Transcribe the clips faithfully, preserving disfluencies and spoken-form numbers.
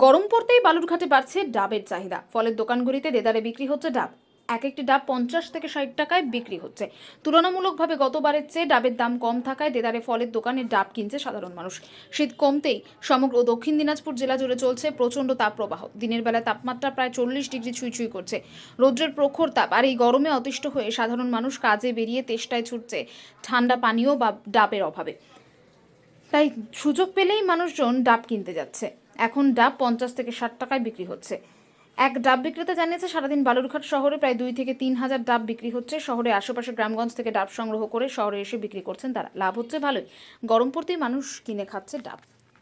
গরম পড়তেই বালুরঘাটে বাড়ছে ডাবের চাহিদা। ফলের দোকানগুলিতে দেদারে বিক্রি হচ্ছে ডাব। এক একটি ডাব পঞ্চাশ থেকে ষাট টাকায় বিক্রি হচ্ছে। তুলনামূলকভাবে গতবারের চেয়ে ডাবের দাম কম থাকায় দেদারে ফলের দোকানে ডাব কিনছে সাধারণ মানুষ। শীত কমতেই সমগ্র দক্ষিণ দিনাজপুর জেলা জুড়ে চলছে প্রচণ্ড তাপপ্রবাহ। দিনের বেলা তাপমাত্রা প্রায় চল্লিশ ডিগ্রি ছুঁই ছুঁই করছে। রৌদ্রের প্রখর তাপ আর এই গরমে অতিষ্ঠ হয়ে সাধারণ মানুষ কাজে বেরিয়ে তেষ্টায় ছুটছে ঠান্ডা পানীয় বা ডাবের অভাবে। তাই সুযোগ পেলেই মানুষজন ডাব কিনতে যাচ্ছে। এখন ডাব পঞ্চাশ থেকে ষাট টাকায় বিক্রি হচ্ছে। এক ডাব বিক্রেতা জানিয়েছে, সারাদিন বালুরঘাট শহরে প্রায় দুই থেকে তিন হাজার ডাব বিক্রি হচ্ছে। শহরে আশেপাশে গ্রামগঞ্জ থেকে ডাব সংগ্রহ করে শহরে এসে বিক্রি করছেন তারা। লাভ হচ্ছে ভালোই। গরম পড়তেই মানুষ কিনে খাচ্ছে ডাব।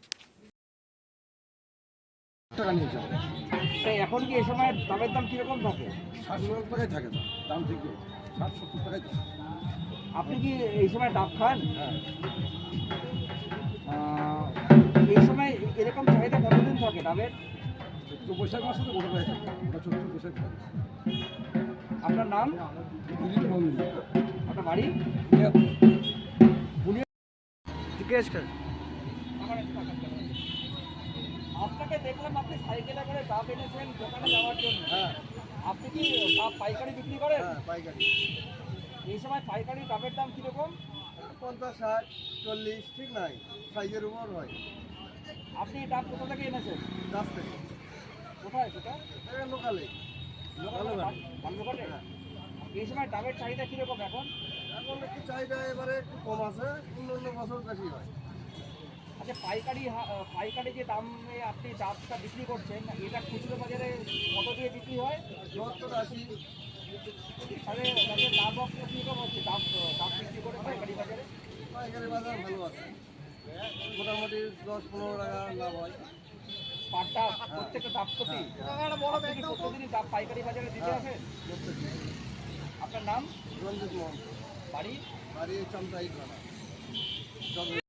টাকা নিয়ে যাবে। তাই এখন কি এই সময় ডাবের দাম কিরকম থাকে? ষাট সত্তর টাকায় থাকে না, দাম থেকে ষাট সত্তর টাকায় থাকে। আপনি কি এই সময় ডাব খান? হ্যাঁ, আহ, এই সময় এরকম চাহিদা কতদিন থাকে ডাবের? চৈত্র বৈশাখ মাসে তো গোটা হয়ে থাকে, ওটা চৈত্র বৈশাখ থাকে। আপনার নাম? দিলীপ নন্দী। আপনার বাড়ি? জিজ্ঞেস কর। আপনাকে দেখলাম আপনি সাইকেলে করে ডাব এনেছেন দোকানে যাওয়ার জন্য। হ্যাঁ আপনি কি ডাব পাইকারি বিক্রি করেন? হ্যাঁ, পাইকারি এই সময় পাইকারি ডাবের দাম কিরকম? পঞ্চাশ ষাট চল্লিশ ঠিক নাই, সাইজের উপর হয়। আপনি এই ডাব কোথা থেকে এনেছেন? গাছ থেকে কোথায় সেটা? এটা লোকালে ভালোভাবে। বালুরঘাটে? হ্যাঁ, এই সময় ডাবের চাহিদা কিরকম এখন? এখন একটু চাহিদা এবারে একটু কম আছে, অন্য অন্য বছর বেশি হয়। আচ্ছা, পাইকারি হা- আহ, পাইকারি যে দামে আপনি ডাবটা বিক্রি করছেন, এটা খুচরো বাজারে কত দিয়ে বিক্রি হয়? সত্তর আশি। তাহলে তাদের লাভ অংশ কীরকম হচ্ছে ডাব ডাব বিক্রি করে পাইকারি বাজারে? পাইকারি বাজার ভালো আছে, মোটামুটি দশ পনেরো টাকা লাভ হয়। পার ডাব প্রত্যেকটা ডাব প্রতি? আপনি কি প্রতিদিনই ডাব পাইকারি বাজারে দিতে হ্যাঁ, আসেন? প্রত্যেকদিন। আপনার নাম? রঞ্জিত মোহন, বাড়ি? বাড়ি চামচাই থানা।